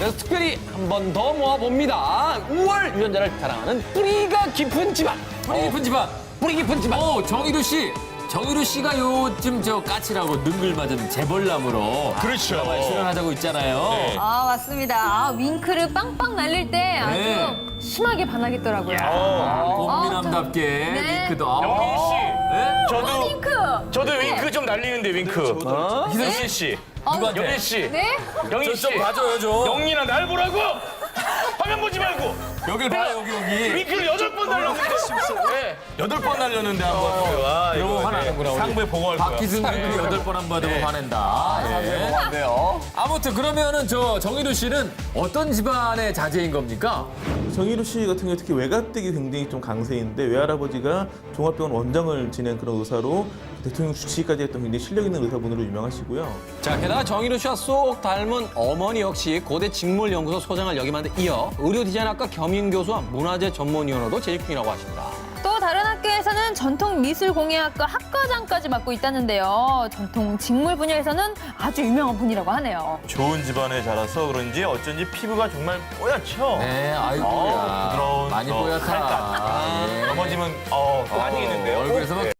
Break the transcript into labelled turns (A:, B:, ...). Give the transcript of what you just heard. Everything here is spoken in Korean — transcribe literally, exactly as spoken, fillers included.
A: 그래서 특별히 한 번 더 모아봅니다. 우월 유전자를 자랑하는 뿌리가 깊은 집안.
B: 뿌리 깊은 집안.
A: 뿌리 깊은 집안.
B: 오, 정희루 씨. 정희루 씨가 요즘 저 까칠하고 능글맞은 재벌남으로
C: 그렇죠.
B: 드라마에 출연하자고 있잖아요.
C: 네.
D: 아, 맞습니다. 아, 윙크를 빵빵 날릴 때 아주
B: 네.
D: 심하게 반하겠더라고요.
B: 꽃미남답게
D: 네.
B: 윙크도. 아,
C: 영희 씨,
B: 네?
C: 저도
D: 윙크!
C: 저도 윙크 좀 날리는데 윙크. 희선 씨,
B: 누구한테?
C: 영희 씨,
D: 네?
C: 영희
B: 저
C: 씨,
B: 좀 봐줘요, 좀.
C: 영희나 날 보라고. 화면 보지 말고
B: 여길 봐, 여기, 여기.
C: 윙크를 여덟 번 날렸는데. 네.
E: 여덟 번 날렸는데 한 번. 아,
B: 그러면
E: 이거
B: 화나는구나, 우리.
E: 상부에 보고할 거야.
B: 박기순 윙크 여덟 번 한 번 받으면 화낸다. 예.
A: 뭐한데요?
B: 아무튼 그러면은 저 정희루 씨는 어떤 집안의 자제인 겁니까?
F: 정희루 씨 같은 경우 특히 외가댁이 굉장히 좀 강세인데 외할아버지가 종합병원 원장을 지낸 그런 의사로 대통령 주치의까지 했던 굉장히 실력 있는 의사분으로 유명하시고요.
A: 자, 게다가 정희루 씨와 쏙 닮은 어머니 역시 고대 직물연구소 소장을 역임한 데 이어 의료 디자인학과 겸임교수와 문화재 전문위원으로도 재직 중이라고 하십니다.
D: 또 다른 학교에서는 전통미술공예학과 학과장까지 맡고 있다는데요. 전통 직물 분야에서는 아주 유명한 분이라고 하네요.
E: 좋은 집안에 자라서 그런지 어쩐지 피부가 정말 뽀얗죠?
B: 네, 아이고야.
E: 어우, 부드러운
B: 많이
E: 저
B: 뽀얗다.
E: 칼같.
B: 예.
E: 넘어지면 어, 또 다니겠는데요?
B: 얼굴에서 막